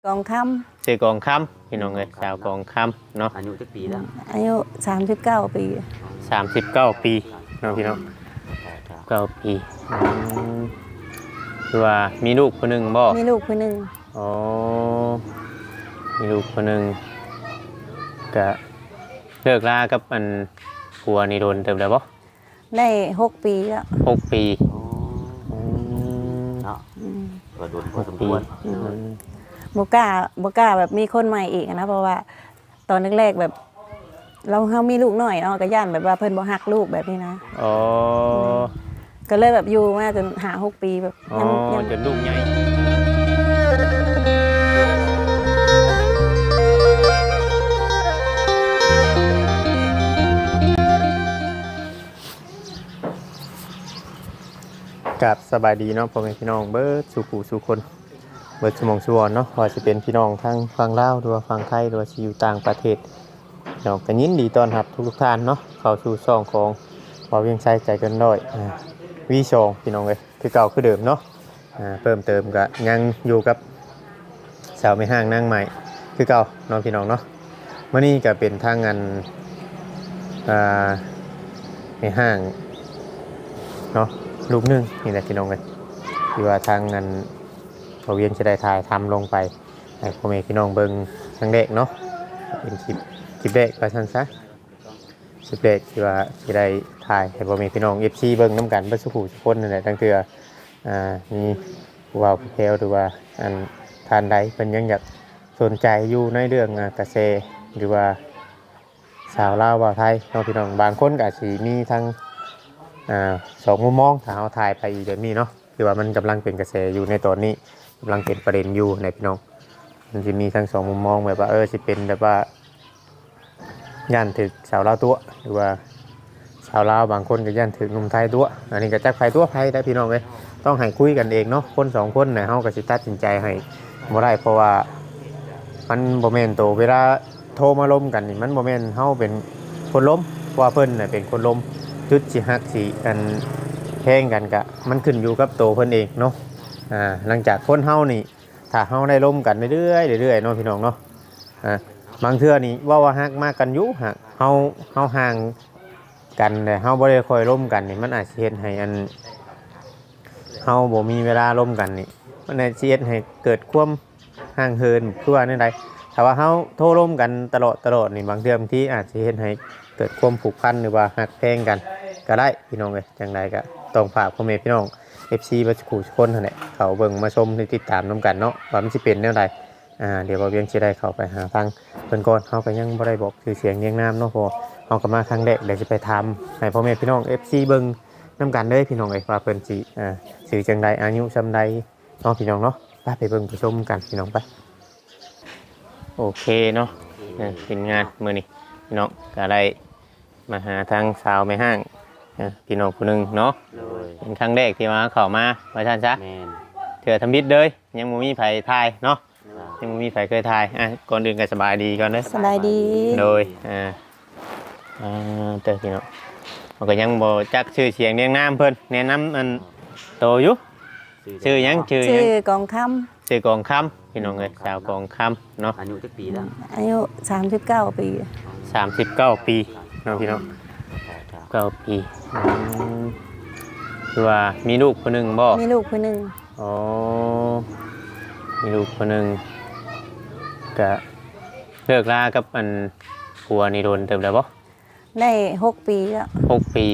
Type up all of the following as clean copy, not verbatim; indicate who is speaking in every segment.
Speaker 1: กองค
Speaker 2: ชื่อกองคำพี่น้องเอ้ยสาวกองคำเนาะ
Speaker 3: อายุจักปีแล้ว
Speaker 1: ำอายุ39 ปี
Speaker 2: 39 ปีเนาะพี่น้อง9 ปีคือว่ามีลูกคนหนึ่งบ่
Speaker 1: มีลูกคนหนึ่ง
Speaker 2: อ๋อมีลูกคนหนึ่งก็เลิกลากับอันผัวนี่โดนเติมแล้วบ่
Speaker 1: ได้6 ปีแล้ว
Speaker 2: 6 ปี
Speaker 3: เนาะก็โดนพอสมควร
Speaker 1: บ่กล้าแบบมีคนใหม่อีกนะเพราะว่าตอนแรกๆแบบเรามีลูกน้อยเนาะก็ย่านแบบว่าเพิ่นบ่ฮักลูกแบบนี้นะ
Speaker 2: อ๋อ
Speaker 1: ก็เลยแบบอยู่มาจน6 ปีแบบ
Speaker 2: ยังจนลูกใหญ่กับสบายดีเนาะพ่อแม่พี่น้องเบิร์ดสู่ขู่สู่คนเบิร์ดสมองสุวรรณเนาะว่าจะเป็นพี่น้องทั้งฝั่งลาวหรือว่าฝั่งไทยหรือว่าที่อยู่ต่างประเทศเราก็ยินดีต้อนรับทุกท่านเนาะเข้าสู่ช่องของบ่าวเวียงชัยใจเกินร้อยวีชองพี่น้องเลยคือเก่าคือเดิมเนาะเพิ่มเติมก็ยังอยู่กับสาวไม่ห้างนั่งใหม่คือเก่าน้องพี่น้องเนาะเมื่อนี้ก็เป็นทางงานไม่ห้างเนาะลูกนึงนี่แหละพี่น้องเลยที่ว่าทางงานบ่าวเวียงจะได้ถ่ายทำลงไปให้พ่อแม่พี่น้องเบิ่งครั้งแรกเนาะเป็นคลิปแรกไปสั้นซะคลิปแรกที่ว่าจะได้ถ่ายให้พ่อแม่พี่น้อง FC เบิ่งน้ำกันเบิ่งสุขุทุกคนนั่นแหละตั้งแต่มีผู้ว่าผู้แพรวหรือว่าอันทานใดเพิ่นยังอยากสนใจอยู่ในเรื่องเกษตรหรือว่าสาวลาวบ่าวไทยน้องพี่น้องบางคนก็อาจสิมีทั้งสองมุมมองถ้าเอาถ่ายไปอีกแบบนี้เนาะคือว่ามันกำลังเป็นกระแสอยู่ในตอนนี้กำลังเป็นประเด็นอยู่ในพี่น้องมันจะมีทั้งสองมุมมองแบบว่าสิเป็นแบบว่าย่านถึกสาวลาวตัวหรือว่าสาวลาวบางคนก็ย่านถึกหนุ่มไทยตัวอันนี้ก็จักไฟตัวไทยได้พี่น้องเลยต้องให้คุยกันเองเนาะคนสองคนเนี่ยเฮาก็สิตัดสินใจให้บ่ได้เพราะว่ามันบ่แม่นโตเวลาโทรมาล้มกันนี่มันบ่แม่นเฮาเป็นคนล้มเพราะว่าเพิ่นน่ะเป็นคนล้มจุดสิฮักสิกันแข่งกันกะมันขึ้นอยู่กับโตเพิ่นเองเนาะหลังจากคนเฮานี่ถ้าเฮาได้ล้มกันเรื่อยๆเรื่อยๆเนาะพี่น้องเนาะบางเทื่อนี่ว่าฮักมากกันอยู่ฮักเฮาห่างกันแต่เฮาบ่ได้ค่อยล้มกันนี่มันอาจสิเฮ็ดให้อันเฮาบ่มีเวลาล้มกันนี่มันอาจสิเฮ็ดให้เกิดความห่างเหินคือว่าในใดถ้าว่าเฮาโทรล้มกันตลอดนี่บางเทื่อบางทีอาจสิเฮ็ดให้เกิดความผูกพันหรือว่าฮักแพงกันก็ได้พี่น้องเอ้ยจังไดก็ต้องฝากพ่อแม่พี่น้อง FC บัดคู่ทุกคนนั่นแหละเขาเบิ่งมาชมติดตามนํกันเนาะว่ามันสิเป็นแนวใดเดี๋ยวบ่เวียงสิได้เข้าไปหาทางเพิ่นก่อนเฮาก็ยังบ่ได้บอกชื่อเสียงเรียงนามเนาะเพราะเฮาก็มาครั้งแรกเดี๋ยวสิไปทำให้พ่อแม่พี่น้อง FC เบิ่งนํกันเด้อพี่น้องเอ้ยว่าเพิ่นสิชื่อจังใดอายุส่ำใดเนาะพี่น้องเนาะไปเบิ่งไปชมกันพี่น้องไปโอเคเนาะเป็นงานมื้อนี้พี่น้องก็ได้มาหาทางสาวแม่ห้างพี่น้องผู้หนึงเนาะเป็นครั้งแรกที่มาเข้ามาว่าซั่นซะเถื่อทำบิดเลยยังบ่มีไผทายเนาะยังบ่มีไผเคยทายก่อนอื่นก็สบายดีก่อนเด้อ
Speaker 1: สบายดี
Speaker 2: โดยเด้อพี่น้องมันก็ยังบ่จักชื่อเสียงเรียงนามเพิ่นแนะนำอันโตอยู่ชื่อหยัง
Speaker 1: ชื่อกองคำ
Speaker 2: ชื่อกองคำพี่น้องเอ้ยสาวกองคำเนาะ
Speaker 3: อายุจักปีแล้ว
Speaker 1: อายุ39 ปี
Speaker 2: 39 ปีเนาะพี่น้อง9 ปีคือว่ามีลูกคนหนึ่งบ่
Speaker 1: มีลูกคนหนึ่ง
Speaker 2: อ๋อมีลูกคนหนึ่งก็เลิกลากับอันผัวนี่โดนเติมแล้วบ่
Speaker 1: ได้6 ปีแล้ว
Speaker 2: 6 ปี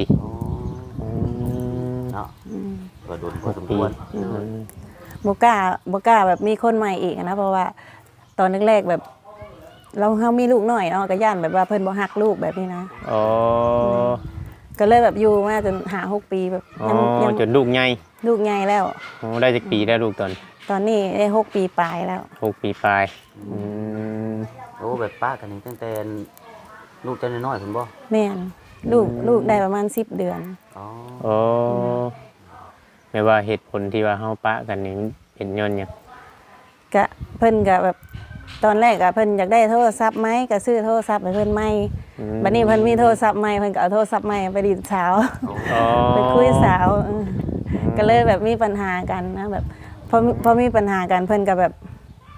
Speaker 3: เนาะก็โดนพอสมควร
Speaker 1: บ่กล้าแบบมีคนใหม่อีกนะเพราะว่าตอนแรกๆแบบเรามีลูกน้อยเนาะก็ย่านแบบว่าเพิ่นบ่ฮักลูกแบบนี้นะ
Speaker 2: อ๋อ
Speaker 1: ก็เลยแบบอยู่มาจน6 ปีแบบ
Speaker 2: ยังจนลูกใหญ่
Speaker 1: แล้ว
Speaker 2: ได้จักปีแล้วลูก
Speaker 1: ตอนนี้ได้6 ปีปลายแล้ว
Speaker 2: 6 ปีปลาย
Speaker 3: โอ้แบบป้ากันนี่ตั้งแต่ลูกเจ้าน้อยๆเพิ่นบ่
Speaker 1: แม่นลูกได้ประมาณ10 เดือน
Speaker 2: อ๋อไม่ว่าเหตุผลที่ว่าเฮาปะกันนี่เป็นย้อนหยัง
Speaker 1: ก็เพิ่นก็แบบตอนแรกก็เพิ่นอยากได้โทรศัพท์ใหม่ก็ซื้อโทรศัพท์ให้เพิ่นใหม่บัดนี้เพิ่นมีโทรศัพท์ใหม่เพิ่นก็เอาโทรศัพท์ใหม่ไปดิสาวไปคุยสาวก็เลยแบบมีปัญหากันนะแบบพอมีปัญหากันเพิ่นก็แบบ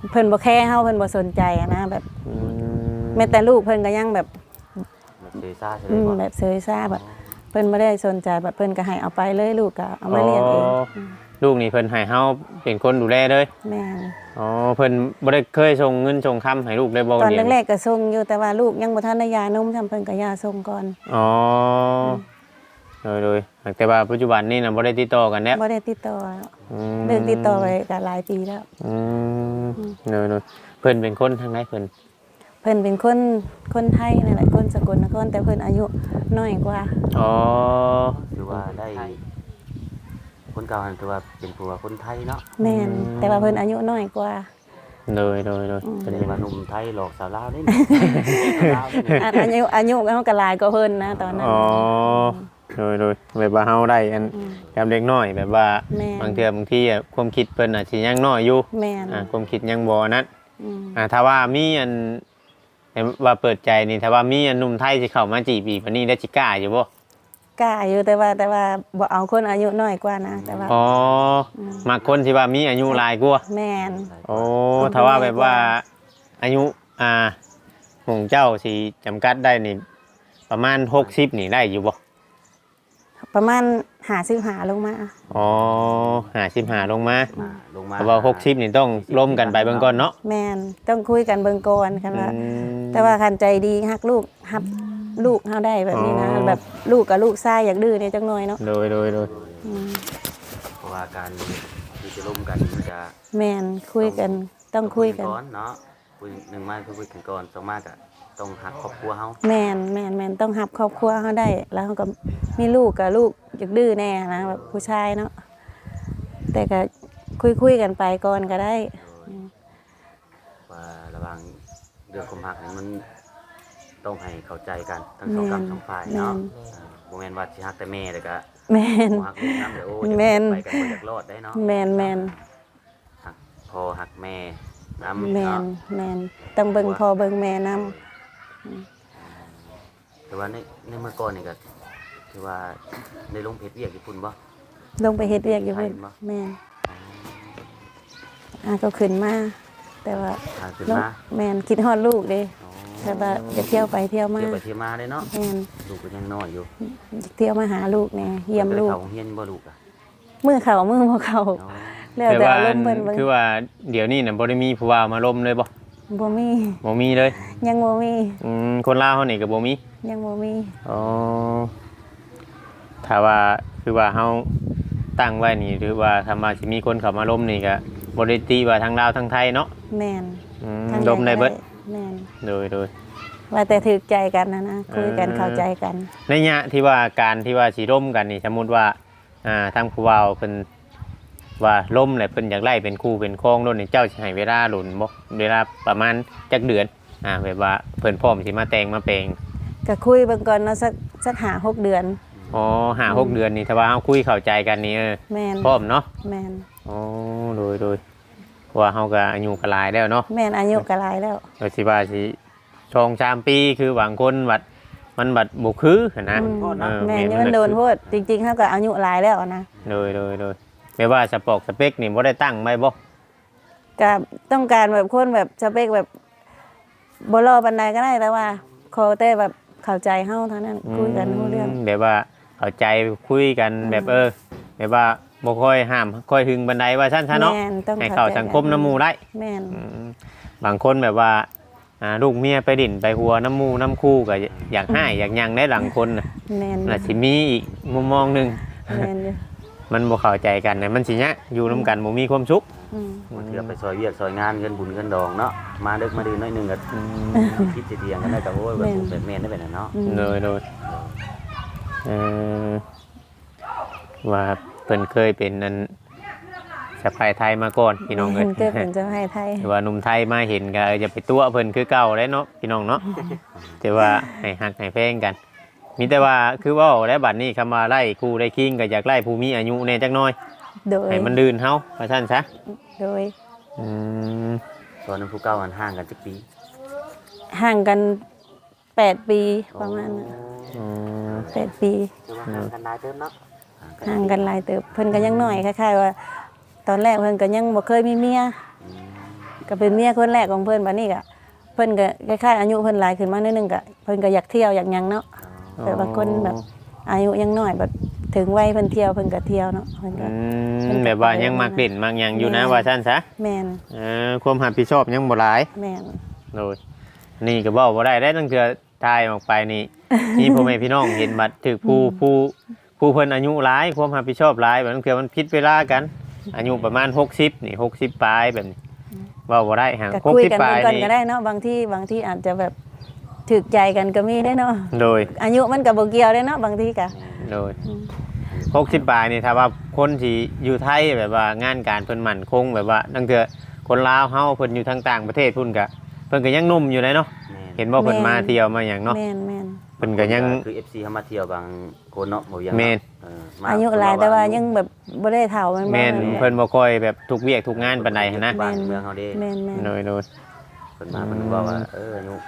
Speaker 1: เพิ่นบ่แค่เฮาเพิ่นบ่สนใจอะนะแบบ
Speaker 2: อื
Speaker 1: แม้แต่ลูกเพิ่นก็ยังแบบ
Speaker 3: แบบเซซ่าใช่ไหมบ่
Speaker 1: แบบเซยซ่าแบบเพิ่นบ่ได้สนใจแบบเพิ่นก็ให้เอาไปเลยลูกก็เอามาเลี้ยงเอง
Speaker 2: ลูกนี่เพิ่นให้เฮาเป็นคนดูแลเลย
Speaker 1: แม่น
Speaker 2: อ๋อเพิ่นบ่ได้เคยส่งเงินส่งคำให้ลูกได้บ่
Speaker 1: ตอน
Speaker 2: เลี้ยง
Speaker 1: แรกๆก็ส่งอยู่แต่ว่าลูกยังบ่ทันได้ยานมทำเพิ่นก็ยาส่งก่อน
Speaker 2: อ๋อโดยแต่ว่าปัจจุบันนี่น่ะบ่ได้ติดต่อกันแล้ว
Speaker 1: บ่ได้ติดต่อแล้ว
Speaker 2: อืม
Speaker 1: เลิกติดต่อไปก็หลายปีแล้ว
Speaker 2: อืมโดยเพิ่นเป็นคนทางไหนเพิ่น
Speaker 1: เพิ่นเป็นคนไทยนั่นแหละคนสกลนครแต่เพิ่นอายุน้อยกว่า
Speaker 2: อ๋อ
Speaker 3: คือว่าได้คนเก่าถือว่าเป็นผัวคนไทยเนาะ
Speaker 1: แม่นแต่ว่าเพิ่นอายุน้อยกว่า
Speaker 2: โดย
Speaker 3: เป็นว่าหนุ่มไทยหลอกสาวลาวนี่ ลาวนี่
Speaker 1: อายุเฮาก็หลายกว่าเพิ่นนะตอนนั้น
Speaker 2: อ๋อโดยแบบว่าเฮาได้อันกับเด็กน้อยแบบว่า
Speaker 1: แม่น
Speaker 2: บางเทื่อบางทีความคิดเพิ่นอาจสิยังน้อยอยู่
Speaker 1: แม่น
Speaker 2: ความคิดยังบ่นั้น
Speaker 1: อืม
Speaker 2: ถ้าว่ามีอันว่าเปิดใจนี่ถ้าว่ามีอันหนุ่มไทยสิเข้ามาจีบอีกปานนี้ได้สิกล้าอยู่บ่
Speaker 1: กล้าอยู่แต่ว่าบ่เอาคนอายุน้อยกว่านะแต่ว่า
Speaker 2: อ๋อมักคนที่ว่ามีอายุหลายกว่า
Speaker 1: แม่น
Speaker 2: โอ้ถ้าว่าแบบว่าอายุของเจ้าสิจำกัดได้นี่ประมาณ60นี่ได้อยู่บ่
Speaker 1: ประมาณ55ลงมา
Speaker 2: อ๋อ55ลงมา
Speaker 3: ลงมา
Speaker 2: เพราะว่า60นี่ต้องร่วมกันไปเบิ่งก่อนเนาะ
Speaker 1: แม่นต้องคุยกันเบิ่งก่อนคันว่า
Speaker 2: อืม
Speaker 1: แต่ว่าคันใจดีฮักลูกฮับลูกเฮาได้แบบนี้นะ
Speaker 2: อ๋อ
Speaker 1: แบบลูกกับลูกชายอยากดื้อเนี่ยจักหน่อยเนาะ
Speaker 2: โดย
Speaker 1: อืม
Speaker 3: เพราะว่าการที่จะร่วมกันมันจะ
Speaker 1: แม่นคุยกันต้องคุยกัน
Speaker 3: ก่อนเนาะคุยหนึ่งมาคือคุยกันก่อนสองมากอะต้องหักครอบครัวเฮา
Speaker 1: แม่นต้องฮับครอบครัวเฮาได้ แล้วเฮาก็มีลูกกับลูกอยากดื้อแน่นะแบบผู้ชายเนาะแต่ก็คุยกันไปก่อนก็ได้
Speaker 3: ว่าระหว่างเรื่องความหักนี่มันต้องให้เข้าใจกันทั้งสองกับสองฝ่ายเนาะโมเมนต์ว่าสิหักแต่แม่แต่ก็
Speaker 1: แม่น
Speaker 3: บ่หักลูกน้ำเดี๋ยวโอ้ย
Speaker 1: แม่น
Speaker 3: ไปกันบ่อยากรอดได้เนาะ
Speaker 1: แม่น
Speaker 3: หักพอหักแม่น้ำ
Speaker 1: แม่น
Speaker 3: เนาะ
Speaker 1: แม่นต้องเบิ่งพ่อเบิ่งแม่นํ
Speaker 3: แต่ว่าในเมื่อก่อนนี่ก็ถือว่าในลงเพชรเวียกญี่ปุ่นบ่
Speaker 1: ลงไปเฮ็ดเวียกอยู่เพิ่น
Speaker 3: ไปบ่
Speaker 1: แม่นก็ขึ้นมาแต่ว่า
Speaker 3: ทางขึ้น
Speaker 1: ลูก
Speaker 3: มา
Speaker 1: แม่นคิดฮอดลูกเด้
Speaker 3: อ๋อ
Speaker 1: แต่ว่าจะเที่ยวไปเที่ยวมา
Speaker 3: เที่ยวไปเที่ยวมาเลยเนาะ
Speaker 1: แม่น
Speaker 3: ลูกก็ยังน้อยอยู่
Speaker 1: เที่ยวมาหาลูกแน่เยี่ยมลูก
Speaker 3: ไปเข้าโรงเรียนบ่ลูกอ่ะ
Speaker 1: มือเขามือบ่เขา
Speaker 3: อ๋อ
Speaker 1: แล้ว
Speaker 2: แต่
Speaker 1: แต่
Speaker 2: ว่า
Speaker 1: อารมณ์เพิ่นเบิ่ง
Speaker 2: คือว่าเดี๋ยวนี้น่ะบ่ได้มีผู้ว่ามาล้มเลยบ่
Speaker 1: บ่มี
Speaker 2: บ่มีเลย
Speaker 1: ยังบ่มี
Speaker 2: คนลาวเฮานี่ก็บ่มี
Speaker 1: ยังบ่มี
Speaker 2: อ๋อถ้าว่าคือว่าเฮาตั้งไว้นี่หรือว่าถ้ามาสิมีคนเข้ามาล้มนี่ก็บ่ได้ตีว่าทางลาวทางไทยเนาะ
Speaker 1: แม่น
Speaker 2: ล้มได้เบิด
Speaker 1: แม่น
Speaker 2: โดย
Speaker 1: ว่าแต่ถูกใจกันนะคุยกันเข้าใจกัน
Speaker 2: ในยะที่ว่าการที่ว่าสิล้มกันนี่สมมุติว่าทางผู้เว้าเพิ่นว่าล้มแล้วเพิ่นอยากไล่เป็นคู่เป็นครองโดนนี่เจ้าสิให้เวลาหลุนบ่เวลาประมาณจักเดือนแบบว่าเพิ่นพร้อมสิมาแต่งมาแปลง
Speaker 1: ก็คุยเบิ่งก่อนเนาะสัก5-6 เดือน
Speaker 2: อ๋อ5-6 เดือนนี่ถ้าว่าเฮาคุยเข้าใจกันนี่
Speaker 1: แม่น
Speaker 2: พร้อมเนาะ
Speaker 1: แม่น
Speaker 2: อ๋อโดยเพราะว่าเฮาก็อายุก็หลายแล้วเนาะ
Speaker 1: แม่นอายุก็หลายแล้ว
Speaker 2: ก็สิว่าสิ2-3 ปีคือบางคนบัดมันบัดบ่คือหั้นนะ
Speaker 1: แม่นนี่มันโดนโพดจริงๆเฮาก็อายุหลายแล้วนะ
Speaker 2: โดยแม่ว่าสปอกสเปคนี่บ่ได้ตั้งไว้บ่
Speaker 1: ก็ต้องการแบบคนแบบสเปคแบบบ่รอปานใดก็ได้แต่ว่าขอแต่แบบเข้าใจเฮาเท่านั้นคุยกันรู้เรื่อง
Speaker 2: แบบว่าเข้าใจคุยกันแบบแบบว่าบ่ค่อยห้ามค่อยหึงบันไดว่าซั่นซะเนาะ
Speaker 1: แม่นต้อง
Speaker 2: ให้
Speaker 1: เข้า
Speaker 2: เข้า
Speaker 1: ใจ
Speaker 2: สังคมน้ำหมู่ได้
Speaker 1: แม่น
Speaker 2: บางคนแบบว่าลูกเมียไปดิ่นไปหัวน้ำหมู่น้ำคู่ก็อยากให้อยากหยังได้หลังคนน่ะ
Speaker 1: แม่น
Speaker 2: น่ะสิมีอีกมุมมองหนึง
Speaker 1: แม่นอยู่
Speaker 2: มันบ่เข้าใจกันน่ะมันสิยะอยู่นํกันบ่มีความสุข
Speaker 1: อืม
Speaker 3: มันเถื่อไปซอยเวียกซอยงานเงินบุญเงินดองเนาะมาดึกมาดื่นน้อยหนึงก็คิดจะเดียงกันได้ก็โอ้ยแบบผมเป็นแม่นได้เป็นน่ะเนาะ
Speaker 1: อืม
Speaker 2: โดยว่าเพิ่นเคยเป็นนั้นสะพายไทยมาก่อนพี่น้องเอ้ย
Speaker 1: เกิดเป็นเจ้าให้ไทย
Speaker 2: แต่ว่าหนุ่มไทยมาเห็นก็จะไปตัวเพิ่นคือเก่าได้เนาะพี่น้องเนาะแต่ว่าให้ฮักให้แพงกัน มีแต่ว่าคือเว่าและบัดนี้คำว่าไล่ครูได้คิงก็อยากไล่ผู้มีอายุแน่จักหน่อย
Speaker 1: โดย
Speaker 2: ให้มันดื่นเฮาว่าซั่นซะ
Speaker 1: โดย
Speaker 2: อืม
Speaker 3: ตอนนั้นผู้เก่ามันห่างกันจักปี
Speaker 1: ห่างกัน8 ปีประมาณนั้น
Speaker 2: อืม
Speaker 1: 8 ปี
Speaker 3: คือว่าห่างกันหลายเติมเนาะ
Speaker 1: ห่างกันหลายเติบเพิ่นก็ยังน้อยคล้ายๆว่า ตอนแรกเพิ่นก็ยังบ่เคยมีเมียก็เป็นเมียคนแรกของเพิ่นบัดนี้ก็เพิ่นก็คล้ายๆอายุเพิ่นหลายขึ้นมานิดนึงก็เพิ่นก็อยากเที่ยวอยากหยังเนาะแต่บางคนแบบอายุยังน้อยแบบถึงวัยเพิ่นเที่ยวเพิ่นก็เที่ยวเนาะเพิ่นก็
Speaker 2: แบบว่ายังมักเล่นมักหยังอยู่นะว่าซั่นซะ
Speaker 1: แม่น
Speaker 2: ความรับผิดชอบยังบ่หลาย
Speaker 1: แม่น
Speaker 2: โดยนี่ก็บอกว่าได้ตั้งเทื่อทายออกไปนี่ นี่พ่อแม่พี่น้องเห็นบัดถึกผู้เพิ่นอายุหลายความรับผิดชอบหลายแบบนั้นคือมันผิดเวลากัน อายุประมาณ60นี่60ปลายแบบนี้ว่าบ่ได้ห่าง
Speaker 1: ก็คุยกัน
Speaker 2: 60ปลาย
Speaker 1: ก่อน
Speaker 2: นี่
Speaker 1: ก็ได้เนาะบางที่อาจจะแบบถึกใจกันก็มีได้เนาะ
Speaker 2: โดย
Speaker 1: อายุมันก็บ่เกี่ยวได้เนาะบางทีก็
Speaker 2: โดย60ปลายนี่ถ้าว่าคนที่อยู่ไทยแบบว่างานการเพิ่นมั่นคงแบบว่าตั้งเทื่อคนลาวเฮาเพิ่นอยู่ทางต่างประเทศพุ่นก็เพิ่นก็ยังหนุ่มอยู่เลยเนาะเห็นบ่เพิ่นมาเที่ยวมาหยังเนาะ
Speaker 1: แม่น
Speaker 2: เพิ่นก็ยัง
Speaker 3: คือ FC เฮามาเที่ยวบางคนเนาะบ่ยัง
Speaker 2: แม่น
Speaker 1: อายุหลายแต่ว่ายังแบบบ่ได้เฒ่ามันบ่
Speaker 2: แม่น
Speaker 1: แบบ
Speaker 2: เพิ่นบ่ค่อยแบบทุกเวียกทุกงานปานใดหั้นนะ
Speaker 3: บ้านเมืองเฮาเด้
Speaker 1: แม่น
Speaker 2: โดย
Speaker 3: เพิ่นมาเพิ่นบอกว่าอายุ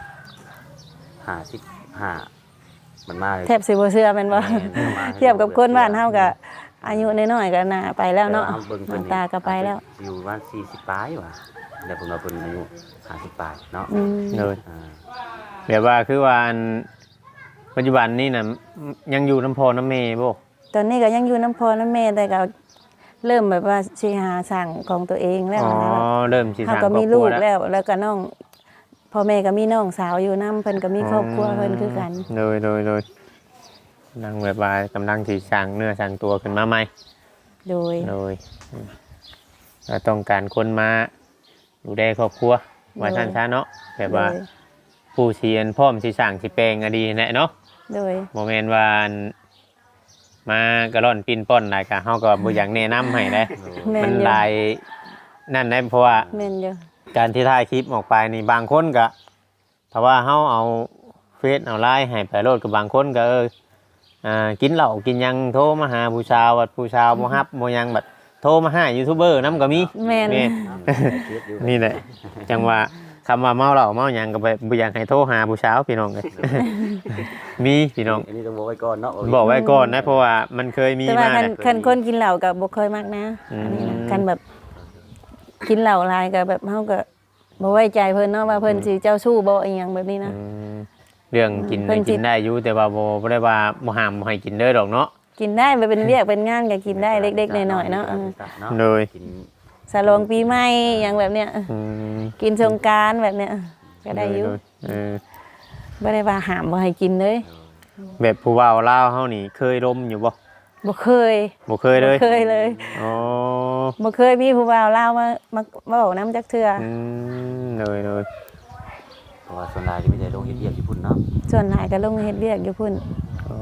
Speaker 3: 55มันมาเลย
Speaker 1: แทบสิบ่เชื่อแม่นบ่ เทียบกับคนบ้านเฮาก็อายุน้อยๆก็น่าไปแล้วเนาะ
Speaker 3: เบิ่ง
Speaker 1: ห
Speaker 3: เพิ่
Speaker 1: น้าน ตาก็ไปแล้ว
Speaker 3: อยู่บ้าน40ปลายว่ะแล้วเพิ่นว่าเพิ่นอายุ50ปลายเนาะ
Speaker 1: อืม
Speaker 2: โดย
Speaker 3: อ่า
Speaker 2: แบบว่าคือว่าอันปัจจุบันนี้น่ะยังอยู่น้ำพอน้ำเมบ่
Speaker 1: ตอนนี้ก็ยังอยู่น้ำพอน้ำแม่แต่ก็เริ่มแบบว่าสิหาสั่งของตัวเองแล้ว
Speaker 2: อ๋อ
Speaker 1: นะ
Speaker 2: เริ่มสิ
Speaker 1: เฮา
Speaker 2: สร้างคร
Speaker 1: ก็
Speaker 2: อบ
Speaker 1: มี
Speaker 2: ครั
Speaker 1: ลู
Speaker 2: ว
Speaker 1: ก
Speaker 2: แล้ว
Speaker 1: แล้วก็น้องพ่อแม่ก็มีน้องสาวอยู่นํเพิ่นก็มีครอบครัวเพิ่นคือกัน
Speaker 2: โดยนั่งแบบว่ากำลังสิสร้างเนื้อสร้างตัวขึ้นมาใหม่
Speaker 1: โดย
Speaker 2: โดยเราต้องการคนมาดูแลครอบครัวว่าซั่นซะเนาะแบบว่าผู้เชียนพร้อมสิสร้างสิแปลงก็ดีแน่เนาะ
Speaker 1: โดย
Speaker 2: โมเมนต์ว่าอันมากระร่อนปินป้อนได้ก็เฮาก็บ่อยากแนะนำให้ได้
Speaker 1: แม่
Speaker 2: มัน น
Speaker 1: อยู่
Speaker 2: หลายนั่นได้เพราะว่า
Speaker 1: แม่นอยู่
Speaker 2: การที่ถ่ายคลิปออกไปนี่บางคนก็ถ้าว่าเฮาเอาเฟซเอาไลน์ให้ไปโลดกับบางคนก็กินเหล้ากินหยังโทรมาหาผู้ชาวว่าผู้ชาวบ่ฮับบ่หยังแบบโทรมาหายูทูบเบอร์นำก็มี
Speaker 1: แม่น
Speaker 2: นี่ นี่แหละจังว่าคำว่าเมาเหล้าเมาหยังก็บ่อยากให้โทรหาผู้สาวพี่น้องเลย มีพี่น้อง
Speaker 3: อันนี้ต้องบอกไว้ก่อนเนาะ
Speaker 2: บอกไว้ก่อนนะเพราะว่ามันเคยมี
Speaker 1: แต่ว่า
Speaker 2: มา
Speaker 1: คันคนกินเหล้าก็บ่ค่อยมักนะ
Speaker 2: อืม
Speaker 1: อันนี้นะคันแบบกินเหล้าหลายก็แบบเฮาก็บ่ไว้ใจเพิ่นเนาะว่าเพิ่นสิเจ้าชู้บ่อีหยังแบบนี้นะ
Speaker 2: อืมเรื่องกิน
Speaker 1: เพิ่นสิ
Speaker 2: กินได้อยู่แต่ว่าบ่ได้ว่าบ่ห้ามบ่ให้กินเด้อดอกเนาะ
Speaker 1: กินได้ไปเป็นเวียกเป็นงานก็กินได้เล็กๆน้อยๆเนาะ
Speaker 2: เลย
Speaker 3: กิน
Speaker 1: สลองปีใหม่อย่างแบบเนี้ย
Speaker 2: อืม
Speaker 1: กินสงกรานต์แบบเนี้ยก็ได้อยู่
Speaker 2: เออ
Speaker 1: บ่ได้ว่าห้ามบ่ให้กินเลย
Speaker 2: แบบผู้ว่าลาวเฮานี่เคยล้มอยู่บ่
Speaker 1: บ่เคย
Speaker 2: บ่เคยเลย
Speaker 1: บ่เคยเลย
Speaker 2: อ๋อ
Speaker 1: บ่เคยมีผู้บ่าวลาวมาเว้านํจักเทื่อ
Speaker 2: อืมเลย
Speaker 3: เพราะว่าส่วนใหญ่จะมีแต่ลงเฮ็ดเวียกญี่ปุ่นเนาะ
Speaker 1: ส่วนหลายก็ลงเฮ็ดเวียกอยู่พุ่น
Speaker 2: อ๋อ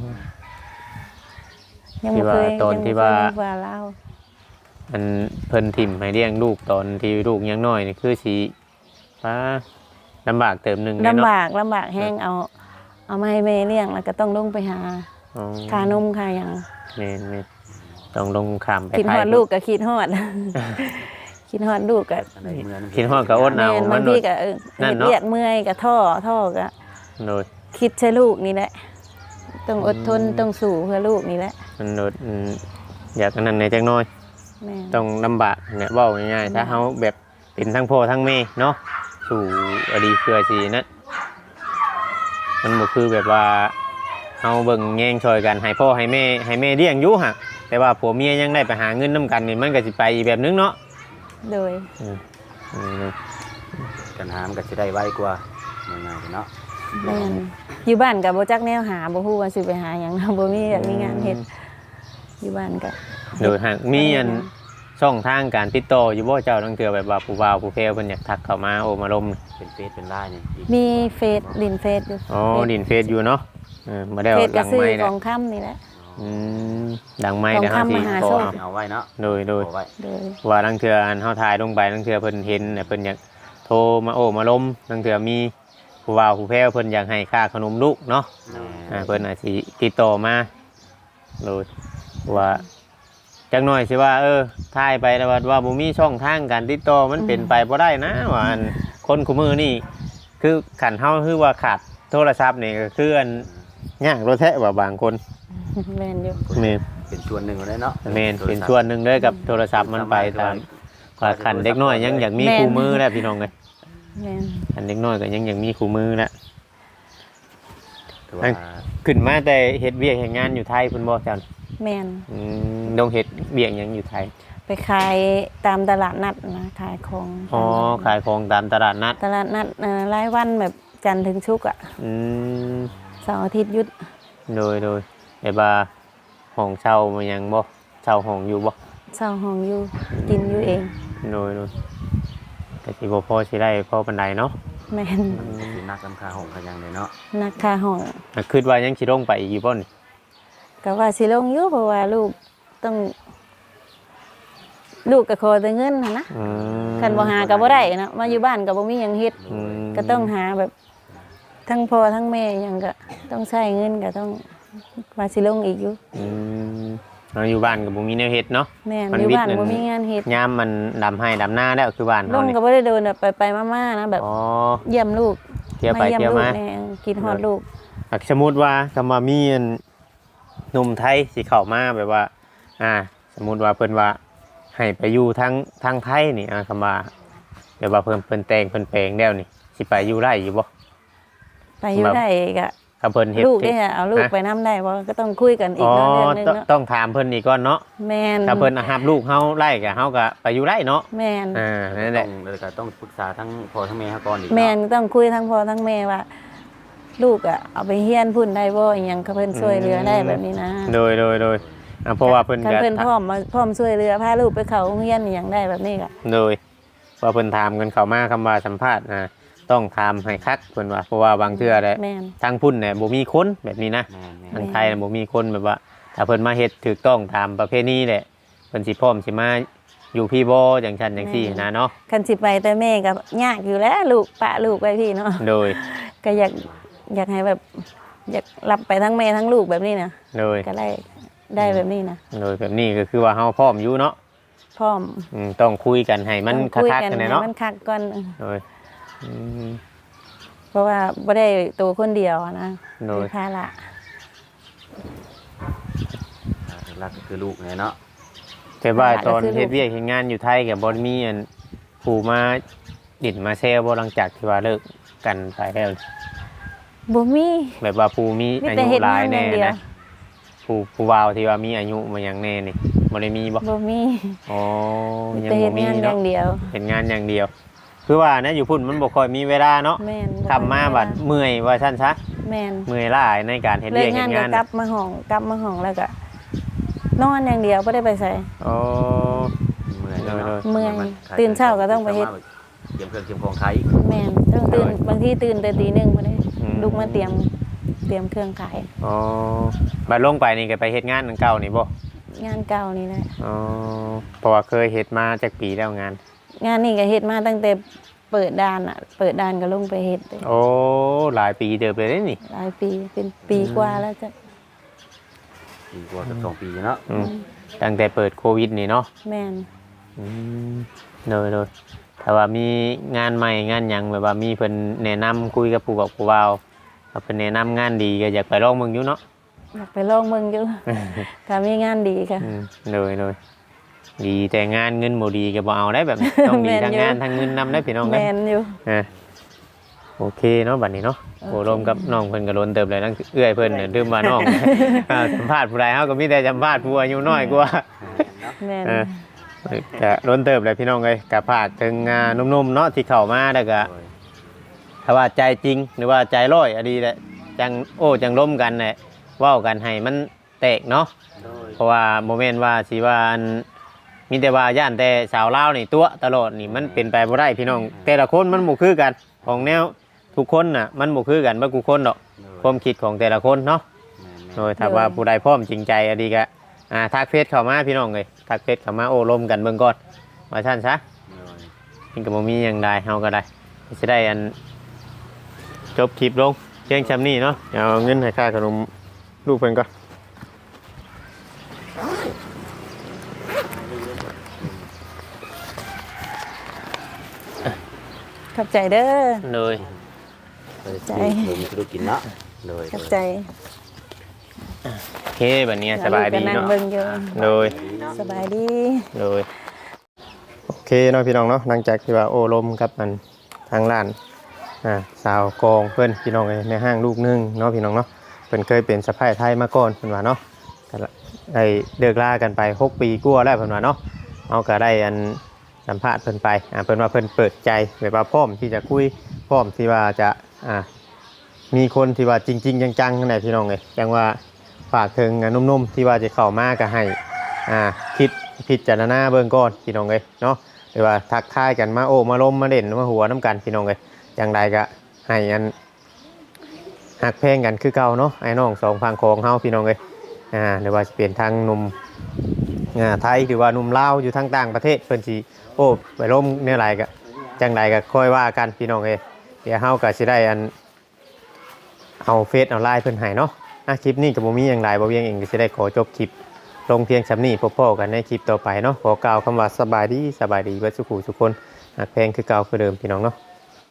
Speaker 1: ยังบ่เคย
Speaker 2: ที่ว่าตอนที่ว่า
Speaker 1: ยังบ่เคยมีผู้บ่าวลาว
Speaker 2: อันเพิ่นถิ่มให้เลี้ยงลูกตอนที่ลูกยังน้อยนี่คือสิว่าลำบากเติมหนึงเลย
Speaker 1: ลำ
Speaker 2: เนาะ
Speaker 1: บากแห้งเอามาให้แม่เลี้ยงแล้วก็ต้องลงไปหา
Speaker 2: อ๋อ
Speaker 1: ค่านมค่าหยัง
Speaker 2: แม่นต้องลงข้ามไป
Speaker 1: คิดฮอด
Speaker 2: ไทย
Speaker 1: ลูกก็คิดฮอด คิดฮอดลูกก็
Speaker 3: อันไหนเมือง
Speaker 2: คิดฮอดก็อดเอา
Speaker 1: แม่น
Speaker 2: มั
Speaker 1: บาน ง
Speaker 2: โด
Speaker 1: ที
Speaker 2: ด
Speaker 1: ก็
Speaker 2: นั่น
Speaker 1: เฮ็ด
Speaker 2: เนาะ
Speaker 1: เรียกเมื่อยก็ท่อก็
Speaker 2: โดด
Speaker 1: คิดใช่ลูกนี่แหละต้องอดทนต้องสู้เพื่อลูกนี่แหละ
Speaker 2: มันโดดอยากอันนั้นในจักหน้อย
Speaker 1: แม่น
Speaker 2: ต้องลำบากเนี่ยเว้าง่ายๆถ้าเฮาแบบเป็นทั้งพ่อทั้งแม่เนาะสู่อดีเพื่อสินั่นมันบ่คือแบบว่าเฮาเบิ่งแย่งช่วยกันให้พ่อให้แม่เลี้ยงอยู่หั่นแต่ว่าผัวเมียยังได้ไปหาเงินนํกันนี่มันก็สิไปอีกแบบนึงเนาะ
Speaker 1: โดย
Speaker 3: กันหามนก็สิได้ไวกว่าง่ายๆเนาะ
Speaker 1: แม่นอยู่บ้านก็บ่จักแนวหาบ่ฮู้ว่าสิไปหาหยัง บ่มีแบบมีงานเฮ็ดอยู่บ้านก็
Speaker 2: โดยหากมีอันช่องทางการติดต่ออยู่บ่เจ้าตั้งเทื่อแบบว่าผู้บ่าวผู้แพรวเพิ่นอยากทักเข้ามาโอ้มาลม
Speaker 3: เป็นเฟซเป็นไลน์นี่
Speaker 1: มีเฟซดินเฟซอยู่
Speaker 2: อ๋อดินเฟซอยู่เนาะมาได้
Speaker 1: เฟซ
Speaker 2: ห
Speaker 1: ก็
Speaker 2: ลัง
Speaker 1: ซื้อ
Speaker 2: ไม้
Speaker 1: ข
Speaker 2: ได้
Speaker 1: องค่ำนี่แหละ
Speaker 2: ดังไม้
Speaker 1: ของ
Speaker 2: เดี๋ยวเฮาสิ
Speaker 1: คำมหา
Speaker 2: ข
Speaker 1: โช
Speaker 2: อ
Speaker 1: ค
Speaker 3: เอาไว้เนาะ
Speaker 2: โดย
Speaker 3: เอาไว้
Speaker 1: โดย
Speaker 2: ว่าตั้งเทื่ออันเฮาถ่ายลงไปตั้งเทื่อเพิ่นเห็นเพิ่นอยากโทรมาโอ้มาลมตั้งเทื่อมีผู้บ่าวผู้แพรวเพิ่นอยากให้ค่าขนมลูกเนาะเพิ่นอาจสิติดต่อมาโดยว่าจักหน่อยสิว่าถ่ายไปแล้วว่าบ่มีช่องทางการติดต่อมันเป็นไปบ่ได้นะว่าอันคนคู่มือนี่คือขันเฮาคือว่าขาดโทรศัพท์นี่ก็คืออันยากรถแท้ว่าบางคน
Speaker 1: แม่นอยู่
Speaker 2: แม่น
Speaker 3: เป็นส่วนหนึ่งเลยเนาะ
Speaker 2: แม่นเป็นส่วนหนึ่งเลยกับโทรศัพท์มันไปตามว่าขันเด็กน้อยยังอยากมีคู่มือแล้วพี่น้องเลย
Speaker 1: แม่น
Speaker 2: ขันเด็กน้อยก็ยังอยากมีคู่มือแล้ว
Speaker 3: ถือว่า
Speaker 2: ขึ้นมาแต่เฮ็ดเวียกเฮ็ดงานอยู่ไทยเพิ่นบ่จัน
Speaker 1: แม่น
Speaker 2: ต้องเฮ็ดเวียกหยังอยู่ไทย
Speaker 1: ไปขายตามตลาดนัดนะขายของ
Speaker 2: อ๋อขายของตามตลาดนัด
Speaker 1: ตลาดนัดรายวันแบบจันทร์ถึงศุกร์อ่ะ
Speaker 2: อืม
Speaker 1: เสาร์อาทิตย์หยุด
Speaker 2: โดยแบบว่าห้องเช่ามันยังบ่เช่าห้องอยู่บ่
Speaker 1: เช่าห้องอยู่กินอยู่เอง
Speaker 2: โดยแต่สิบ่พอสิได้พอปานใดเนาะ
Speaker 1: แม่น
Speaker 3: สินักลำคาหงกันยังเลยเนาะ
Speaker 1: นักค่าห้อง
Speaker 2: คิดว่ายังสิลงไปอีกอยู่บ่นี่
Speaker 1: ก็ว่าสิลงอยู่เพราะว่าลูกต้อง ลูกก็ขอแต่เงินหั้นนะ
Speaker 2: อืม
Speaker 1: คันบ่หาก็บ่ได้นะมาอยู่บ้านก็บ่มีหยังเฮ็ด
Speaker 2: อืม
Speaker 1: ก็ต้องหาแบบทั้งพ่อทั้งแม่หยังก็ต้องใช้เงินก็ต้องว่าสิลงอีกอยู่
Speaker 2: อืมเราอยู่บ้านก็บ่มีแนวเฮ็ดเนาะ
Speaker 1: แม่น
Speaker 2: มัน
Speaker 1: อยู่
Speaker 2: วิทย์
Speaker 1: บ้าน
Speaker 2: นั่น
Speaker 1: บ่มีงานเฮ็ด
Speaker 2: ยามมันดำให้ดำหน้าแล้วคือบ้าน
Speaker 1: ล
Speaker 2: เฮาง นี่
Speaker 1: ก็บ่ได้เดินแบบไปๆมาๆนะแบบ
Speaker 2: อ๋อ
Speaker 1: เยี่ยมลูก
Speaker 2: เที่ยวไป
Speaker 1: เยี่ย
Speaker 2: เที่ยว
Speaker 1: ลู
Speaker 2: มา
Speaker 1: กแน่กินฮอดลูก
Speaker 2: สมมุติว่าคำว่ามีอันหนุ่มไทยสิเข้ามาแบบว่า สมมุติว่าเพิ่นว่าให้ไปอยู่ทางไทยนี่คำว่าแบบว่าเพิ่นแต่งเพิ่นแปลงแล้วนี่สิไปอยู่ได้อยู่บ่
Speaker 1: ไปอยู่ได้ก็
Speaker 2: ถ้าเพิ่นเฮ็ด
Speaker 1: ลูกได้เอาลูกไปนํได้บ่ก็ต้องคุยกันอีกเนาะเรื่องนึงเนาะ
Speaker 2: ต้องถามเพิ่นอีกก่อนเนาะ
Speaker 1: แม่น
Speaker 2: ถ้าเพิ่นรับลูกเฮาไล่ก็เฮาก็ไปอยู่ได้เนาะ
Speaker 1: แม่น
Speaker 2: นั่นแหละ
Speaker 3: แล้วก็ต้องปรึกษาทั้งพ่อทั้งแม่ก่อนอีก
Speaker 1: แม่นต้องคุยทั้งพ่อทั้งแม่ว่า ลูกอ่ะเอาไปเฮียนพุ่นได้บ่อีหยังก็เพิ่นช่วยเหลือได้แบบนี้นะ
Speaker 2: โดยเพราะว่าเพิ่น
Speaker 1: คัน
Speaker 2: ก็
Speaker 1: เพิ่นพร้อมช่วยเหลือพาลูกไปเข้าโรงเรียนอีหยังได้แบบนี้ก็
Speaker 2: โดยว่าเพิ่นถามกันเข้ามาคำว่าสัมภาษณ์ต้องถามให้คักเพิ่นว่าเพราะว่าบางเทื่อแหละ
Speaker 1: แม่น
Speaker 2: ทางพุ่นเนี่ยบ่มีคนแบบนี้นะ
Speaker 3: แม่
Speaker 2: ทางไทยน่ะบ่มีคนแบบว่า ถ้าเพิ่นมาเฮ็ดถูกต้องตามประเพณีแหละเพิ่นสิพร้อมสิมาอยู่พี่บ่จังซั่นจังซี่นะเนาะ
Speaker 1: คันสิไปแต่แม่ก็ยากอยู่แล้วลูกปะลูกไว้พี่เนาะ
Speaker 2: โดย
Speaker 1: ก็อยากให้แบบ อยากรับไปทั้งแม่ทั้งลูกแบบนี้นะ
Speaker 2: โดย
Speaker 1: ก็ได้แบบนี้นะ
Speaker 2: โดยแบบนี้ก็คือว่าเฮาพร้อมอยู่เนาะ
Speaker 1: พร้อม
Speaker 2: ต้องคุยกันให้มัน
Speaker 1: ต้องคุย
Speaker 2: คัก
Speaker 1: กั
Speaker 2: ๆกัน
Speaker 1: ให้
Speaker 2: เนาะ
Speaker 1: มันคักก่อน
Speaker 2: โดยอืม
Speaker 1: เพราะว่าบ่ได้ตัวคนเดียวอะนะ
Speaker 2: โดย
Speaker 1: มีภาระ
Speaker 3: หลักก็คือลูกเนี่ยเนาะ
Speaker 2: แต่ว่าตอนเฮ็ดเวียกเฮ็ดงานอยู่ไทยก็บ่มีอันผู้มาดิดมาแซวบ่หลังจากที่ว่าเลิกกันไปแล้ว
Speaker 1: บ่มี
Speaker 2: แบบว่าผู้มี
Speaker 1: มี
Speaker 2: อา
Speaker 1: แต่
Speaker 2: ยุ
Speaker 1: เฮ็ด
Speaker 2: หลาง
Speaker 1: าย นอ
Speaker 2: แน่
Speaker 1: ย่างเดียว
Speaker 2: นะผู้บ่าวที่ว่ามีอายุมาอย่างแน่นี่บ่ได้มีบ่
Speaker 1: บ่มี
Speaker 2: อ๋อ
Speaker 1: มี
Speaker 2: ยัง
Speaker 1: แต่เฮ็
Speaker 2: บ่
Speaker 1: ด
Speaker 2: มี
Speaker 1: งานอ
Speaker 2: เนาะ
Speaker 1: ย่างเดียว
Speaker 2: เฮ็ดงานอย่างเดียว คือว่านะอยู่พุ่นมันบ่ค่อยมีเวลาเนาะ
Speaker 1: แม่น
Speaker 2: ทำมาบัดเมื่อยว่าซั่นซะ
Speaker 1: แม่น
Speaker 2: เมื่อยล้าในการเฮ็ด
Speaker 1: เลิ
Speaker 2: เวีย
Speaker 1: ก
Speaker 2: กเฮ็
Speaker 1: งาน
Speaker 2: ด
Speaker 1: ก็
Speaker 2: งาน
Speaker 1: กลับมาห้องแล้วก็นอนอย่างเดียวบ่ได้ไปไส
Speaker 2: อ๋อ
Speaker 3: เมื่อยเนาะ
Speaker 1: เมื่อยตื่นเช้าก็ต้องไปเฮ็ด
Speaker 3: เตรียมเครื่องเตรียมของขาย
Speaker 1: แม่นต้องตื่นบางทีตื่นแต่ตี 1บ่ได้ลุกมาเตรียมเครื่องขาย
Speaker 2: อ๋อบัดลงไปนี่ก็ไปเฮ็ดงานอันเก่านี่บ่
Speaker 1: งานเก่านี่แหละ
Speaker 2: อ๋อเพราะว่าเคยเฮ็ดมาจักปีแล้วงาน
Speaker 1: งานนี่ก็เฮ็ดมาตั้งแต่เปิดด่านอ่ะ เปิดด่านก็ลงไปเฮ็ดเลย
Speaker 2: โอ้หลายปีเติบเลยเด้นี่
Speaker 1: หลายปีเป็นปีกว่าแล้วจ้ะ
Speaker 3: ปีกว่าเกือบ2 ปีเนาะ
Speaker 2: ตั้งแต่เปิดโควิดนี่เนาะ
Speaker 1: แม่น
Speaker 2: โดยถ้าว่ามีงานใหม่งานหยังแบบว่ามีเพิ่นแนะนำคุยกับผู้บอกผู้เว้าถ้าเพิ่นแนะนำงานดีก็อยากไปลองเบิ่งอยู่เนาะ
Speaker 1: อยากไปลองเมืองอยู่ ถ้ามีงานดีค่ะ
Speaker 2: โดยดีแต่งานเงินบ่ดีก็บ่เอาได้แบบนี้ ต้องดี
Speaker 1: แม่น
Speaker 2: ทั้ง
Speaker 1: อยู่
Speaker 2: งานทั้งเงินนำได้พี่น้อง
Speaker 1: แม
Speaker 2: เด้
Speaker 1: นอยู่
Speaker 2: โอเคเนาะบัดนี้เนาะ
Speaker 1: โอเค
Speaker 2: โอ้รวมกับน้องเพิ่นก็ล้นเติบเลยนั่นเอื้อยเพิ่นน่ะลืมว่าน้อง สัมภาษณ์ผู้ใดเฮาก็มีแต่สัมภาษณ์ผู้อายุน้อยกว่า
Speaker 1: แมน
Speaker 2: จะล้นเติบเลยพี่น้องเอ้ยกะพากถึงหนุ่มๆเนาะที่เข้ามาแล้วก็ถ้าว่าใจจริงหรือว่าใจร้อยอะดีแหละจังจังล้มกันแหละเว้ากันให้มันแตกเนาะเพราะว่าโมเมนต์ว่าสิว่าอันมีแต่ว่าย่านแต่สาวลาวนี่ตัวตลอดนี่มันเป็นไปบ่ได้พี่น้อง แต่ละคนมันบ่คือกันของแนวทุกคนน่ะมันบ่คือกันบ่กูคนดอกความคิดของแต่ละคนเนาะโดยถ้าว่าผู้ใดพร้อมจริงใจอะดีก็ทักเฟซเข้ามาพี่น้องเอ้ยทักเฟซเข้ามาโอ้ลมกันเบิ่งก่อนว่าซั่นซะนี่ก็บ่มีหยังได้เฮาก็ได้สิได้อันจบคลิปลงเพียงชำนี้เนาะเอาเงินให้ค่าขนมลูกเพิ่นก่อน
Speaker 1: ขอบใจเด้อ
Speaker 2: เลย
Speaker 3: ใจมีธุรกิจเนาะโดย
Speaker 1: ขอบใจ
Speaker 2: โอเคบัดนี้สบายดี
Speaker 1: ลูกก็นั่ง
Speaker 2: เนาะ
Speaker 1: เบิ่งอยู่
Speaker 2: โดย
Speaker 1: สบายดี
Speaker 2: โดยโอเคเคเนาะพี่น้องเนาะหลังจากที่ว่าโอ้ลมกับมันทางร้านสาวกองเพิ่นพี่น้องเอ้ยในห้างลูกนึงเนาะพี่น้องเนาะเพิ่นเคยเป็นสะใภ้ไทยมาก่อนเพิ่นว่าเนาะก็ได้เลิกลากันไป6 ปีกว่าแล้วเพิ่นว่าเนาะเอาก็ได้อันสัมภาษณ์เพิ่นไปเพิ่นว่าเพิ่นเปิดใจแบบว่าพร้อมที่จะคุยพร้อมที่ว่าจะมีคนที่ว่าจริงๆจังๆนั่นแหละพี่น้องเอ้ยจังว่าฝากถึงนุ่มๆที่ว่าจะเข้ามาก็ให้คิดพิจารณาเบิ่งก่อนพี่น้องเอ้ยเนาะหรือว่าทักทายกันมาโอ้มาล้มมาเด่นมาหัวน้ำกันพี่น้องเอ้ยจังใดก็ให้อันหักแพงกันคือเก่าเนาะไอ้น้องสองพังของเฮาพี่น้องเอ้ยหรือว่าจะเปลี่ยนทางหนุ่มไทยหรือว่าหนุ่มลาวอยู่ทางต่างประเทศเพิ่นสิโอ้ไปล้มเนี่ยไรก็จังใดก็ค่อยว่ากันพี่น้องเอ้ยเดี๋ยวเฮาก็สิได้อันเอาเฟซเอาไลน์เพิ่นให้เนาะคลิปนี้ก็บ่มีหยังหลายบ่เวียงเองก็สิได้ขอจบคลิปลงเพียงสำนี้พบกันในคลิปต่อไปเนาะขอกล่าวคำว่าสบายดีเบิดสุขุทุกคนหักแพงคือเก่าคือเดิมพี่น้องเนาะ